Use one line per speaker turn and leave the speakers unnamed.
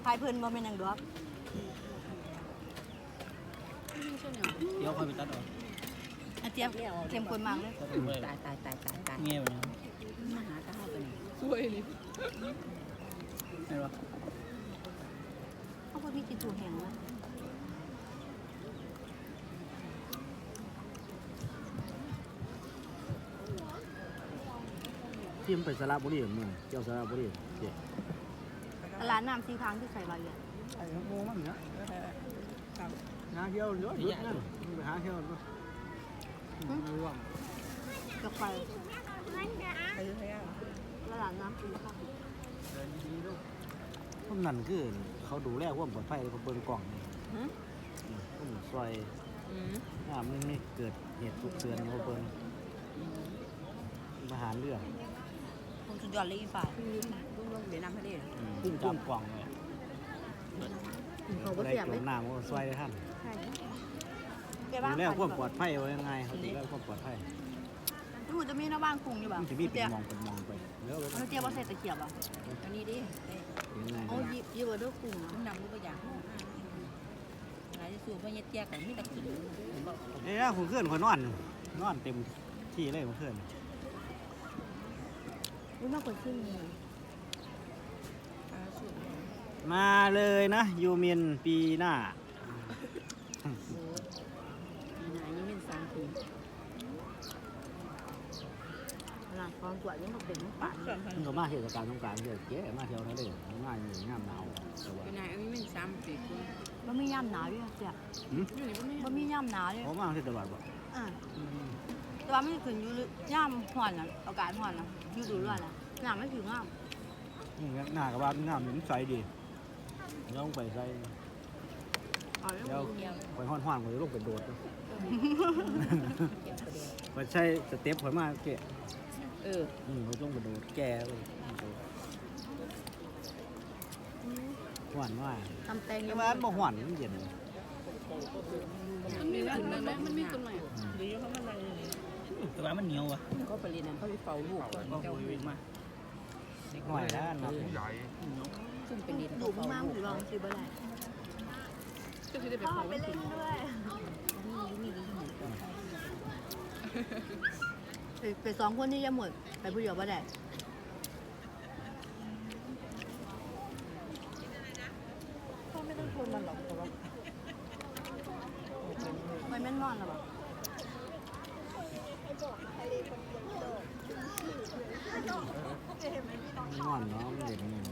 ายเพิ่นบ่เป็นหยังดอก
เดี๋ยวค่อยไปตัดออก
อาเจี๊ยบเข้มข้นมากเลย
ตาย
เงี้ยวนะ
มาหาข้าวกัน
สวยนี่
ไม่รู้
เขาบ่มีติดจูแห้งนะ
ที่มันไปสระบุรีมึงเจ้าสระบุรีเจ๊
ตลาดน้ำสีทางที่ใส่ใบอ่ะ
ไอ้โง่มันเนาะหาเที่ยวเยอะเยอะนั่นไปหาเที่ยวด้วยร่วง
กับไป
ไปยุธยา
ตลาดน้ำสีทาง
พวกนั้นคือเขาดูแลความปลอดภัยเขาเปิดกล่องพวกซอยมันไม่เกิดเหตุฉุกเฉินเขาเปิดมาหาเรื่อง
ผมสุดยอดเลยอีฝ่าย
ลงเดี๋ยวน้ำทะเล
พุ่งจับกล่องเลย
เขาบ่
ได้
เสียบ
จ
เลย
มน้ำก็ซอยได้ท่าน
ใช่แก
ดู
บ้าง
แลความปลอดภัยไว้ยังไงเขาดูแลความปลอดภัย
ที่มันจะมีหน้าบ้านกรุงอยู่บ่
มันจะมีเป็นมองไปเยอะ
มันเจี๊ยบบ่ใส่ตะเกียบอ่ะ
อันนี้ดิ
ยังไง
โอ้ยิบบ่เด้อกรุง
มันดำรูปอย่างหลายจะสูบว่าเย็ดแยกกันไม่ตะกิน
เอ้ยผมเคลื่อนคนนอนเต็มที่เลยผมเคลื่อน
อุ้ยมากกว่าขึ้นนี่
มาเลยนะยูมินปีหน้า
ปีหน้ายังเป็น3 ปี
ร้านความกว่ายังบ่เป็นป่าน
มันก็มาเทศกาลสงกรานต์เยอะแยะมาเที่ยวทะเลมาอยู่งามหนาวแต่ว่า
ปีหน้ายังเป็น3 ปี
บ่มีย่ำหนาวด้วยเจี๊ยบบ่มีย่ำหนาวด้วย
ผมมาเทศตลอดบ่
อ่าแต่ว่ามันขึ้นอยู่ย่ำห่อนน่ะอากาศห่อนน่ะอยู่ดูร้อนน่ะน้ำมันถึงงาม
หน้ากับว่างามมันใสดีแล้วลงไปใส่
อ๋อแล้ว
แล้วไปห้อนๆผมจะลงไปโดดไปใช้สเต็ปผมมาเกะเขาต้องไปโดดแก่เลยหวานว่า
ทำแตง
แต่ว่าบ่หวานมันเย็น
มันมีขึ้นมาไหมมันมีขึ้นมาหรือเขามันอะไร
แต่ว่ามันเหนียวว่ะ
ก็ไปเรียนนั้นเขาไปเฝ้าลูกก่อน
ก็
เจ้า
คุยมา
หน่อยแล้วนะ
ซึ่งเป็นเรียน
ดูมากๆหรือลองซื้อบ่ได้
ก็คือได้ไป
พ่อ
เผา
ไปเล่นด้วยไปสองคนนี่จะหมดไปผู้เดียวบ่ได้พ่อไม่ต้องชวนมันหรอกแต่ว่าไม่แม่นนอนหรอ
นอนเนาะมันเย็น